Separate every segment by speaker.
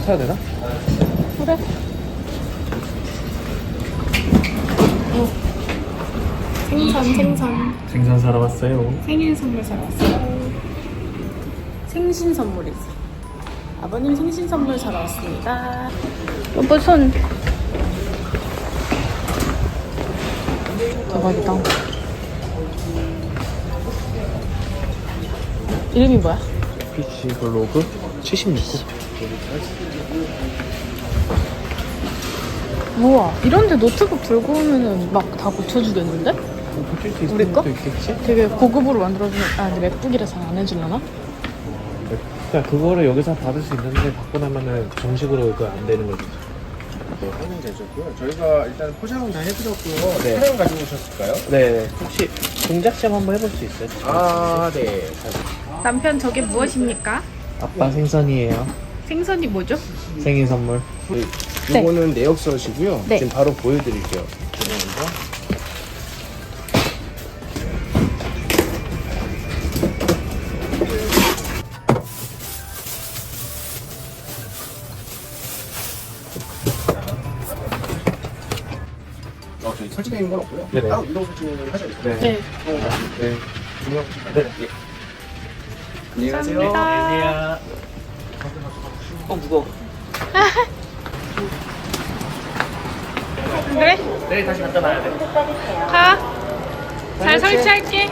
Speaker 1: 사야 되나?
Speaker 2: 그래.
Speaker 1: 생선 사러 왔어요.
Speaker 2: 생일 선물 사러 왔어요. 생신 선물이지. 아버님 생신 선물 사러 왔습니다. 여보 손. 대박이다. 이름이 뭐야?
Speaker 1: PC 블로그 76구.
Speaker 2: 우와, 이런데 노트북 들고 오면은 막 다 고쳐주겠는데?
Speaker 1: 고칠 수
Speaker 2: 우리
Speaker 1: 있을
Speaker 2: 거?
Speaker 1: 수도 있겠지?
Speaker 2: 되게 고급으로 만들어주는. 아, 근데 맥북이라서 안 해주려나?
Speaker 1: 그러니까 그거를 여기서 받을 수 있는데 받고 나면은 정식으로 그거 안 되는 거죠.
Speaker 3: 네, 하면 되셨고요. 저희가 일단 포장은 다 해드렸고요.
Speaker 1: 네.
Speaker 3: 차량 가지고 오셨을까요?
Speaker 1: 네. 혹시 공작 시험 한번 해볼 수 있어요?
Speaker 3: 아, 네.
Speaker 2: 남편 저게 무엇입니까?
Speaker 1: 아빠 생선이에요.
Speaker 2: 생선이 뭐죠?
Speaker 1: 생일 선물.
Speaker 2: 네.
Speaker 3: 이거는 내역서시고요.
Speaker 2: 네.
Speaker 3: 지금 바로 보여드릴게요. 먼저. 저희 설치되어 있는 건 없고요.
Speaker 1: 네네.
Speaker 3: 따로 이동 설치를 하셔야 돼요.
Speaker 1: 네.
Speaker 2: 네.
Speaker 1: 네.
Speaker 3: 중요.
Speaker 1: 네.
Speaker 3: 예. 안녕히 가세요.
Speaker 2: 감사합니다.
Speaker 1: 무거워.
Speaker 2: 그래?
Speaker 1: 내일 다시 갖다 놔야 돼.
Speaker 2: 가. 잘 설치할게.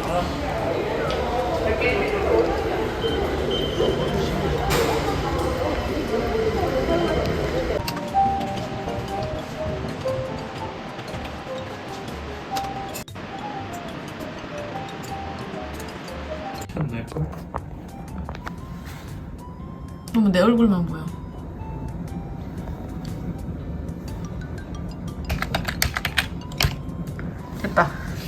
Speaker 1: 네.
Speaker 2: 너무 내 얼굴만 보여. 됐다.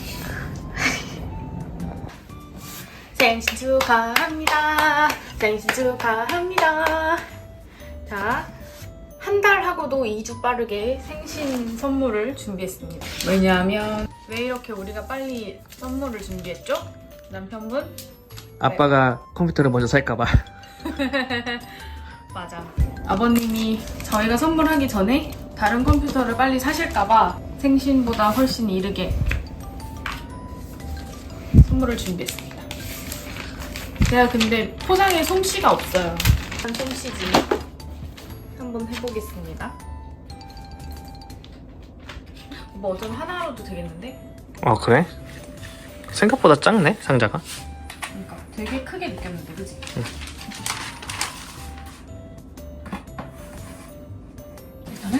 Speaker 2: 생신 축하합니다. 생신 축하합니다. 자, 한 달 하고도 2주 빠르게 생신 선물을 준비했습니다. 왜냐하면 왜 이렇게 우리가 빨리 선물을 준비했죠? 남편분?
Speaker 1: 아빠가 컴퓨터를 먼저 살까봐.
Speaker 2: 맞아. 아버님이 저희가 선물하기 전에 다른 컴퓨터를 빨리 사실까봐 생신보다 훨씬 이르게 선물을 준비했습니다. 제가 근데 포장에 솜씨가 없어요. 한 솜씨지. 한번 해보겠습니다. 뭐 어쩜 하나로도 되겠는데?
Speaker 1: 그래? 생각보다 작네 상자가.
Speaker 2: 그러니까 되게 크게 느꼈는데, 그치? 일단은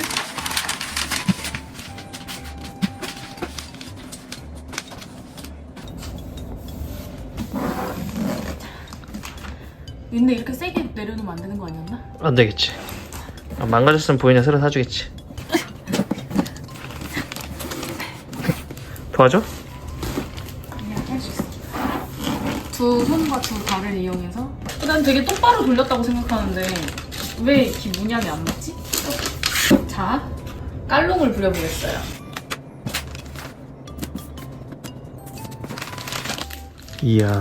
Speaker 2: 근데 이렇게 세게 내려놓으면 안 되는 거 아니었나?
Speaker 1: 안 되겠지. 망가졌으면 보이냐 새로 사주겠지. 도와줘?
Speaker 2: 그냥 할 수 있어. 두 손과 두 발을 이용해서 난 되게 똑바로 돌렸다고 생각하는데 왜 이렇게 문양이 안 맞지? 자, 깔롱을 부려보겠어요.
Speaker 1: 이야.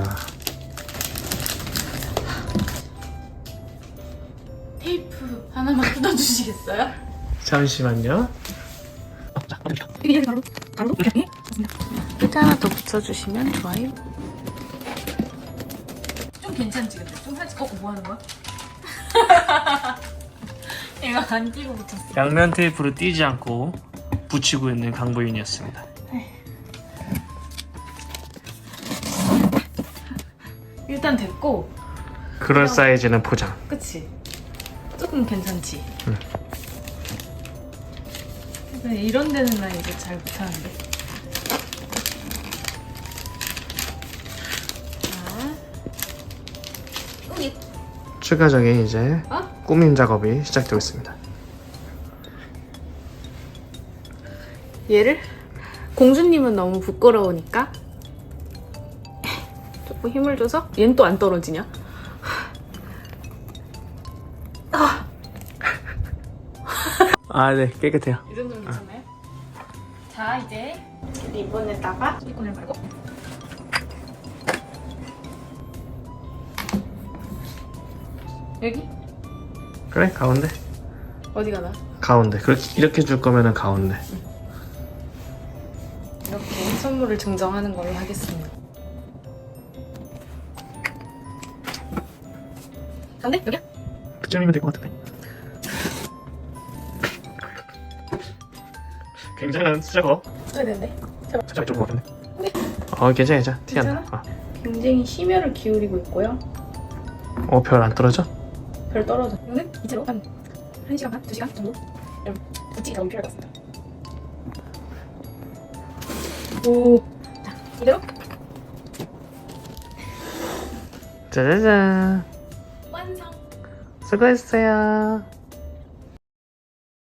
Speaker 2: 테이프 하나만 뜯어주시겠어요?
Speaker 1: 잠시만요.
Speaker 2: 이게 바로 이렇게 끝에 하나 더 붙여주시면 좋아요. 좀 괜찮지 근데 좀 살짝 뭐 하는 거야? 얘가 안 끼고 붙였어.
Speaker 1: 양면 테이프로 띄지 않고 붙이고 있는 강보윤이었습니다.
Speaker 2: 일단 됐고.
Speaker 1: 그럴 사이즈는 포장.
Speaker 2: 그치? 조금 괜찮지?
Speaker 1: 응.
Speaker 2: 근데 이런 데는 나 이제 잘 못하는데. 자, 꾸깃.
Speaker 1: 추가적인 이제
Speaker 2: 어?
Speaker 1: 꾸밈 작업이 시작되고 있습니다.
Speaker 2: 얘를 공주님은 너무 부끄러우니까 조금 힘을 줘서 얘는 또 안 떨어지냐?
Speaker 1: 네, 깨끗해요.
Speaker 2: 이 정도면 괜찮나요? 자, 이제 리본에다가 실리콘을 발고 여기?
Speaker 1: 그래, 가운데.
Speaker 2: 어디가 나?
Speaker 1: 가운데. 이렇게 줄 거면은 가운데.
Speaker 2: 이렇게 선물을 증정하는 걸로 하겠습니다. 가운데? 여기야?
Speaker 1: 그쯤이면 될 것 같은데. 굉장한 수작업.
Speaker 2: 써야 되는데.
Speaker 1: 살짝 이쪽 것 같은데.
Speaker 2: 네.
Speaker 1: 괜찮아 괜찮아. 티 안 나.
Speaker 2: 괜찮아? 굉장히 심혈을 기울이고 있고요.
Speaker 1: 별 안 떨어져?
Speaker 2: 별 떨어져. 이거는 이대로 한 1시간 반? 2시간 정도? 여러분, 붙이기가 너무 필요할 것 같습니다. 오. 자, 이대로
Speaker 1: 짜자잔.
Speaker 2: 완성.
Speaker 1: 수고했어요.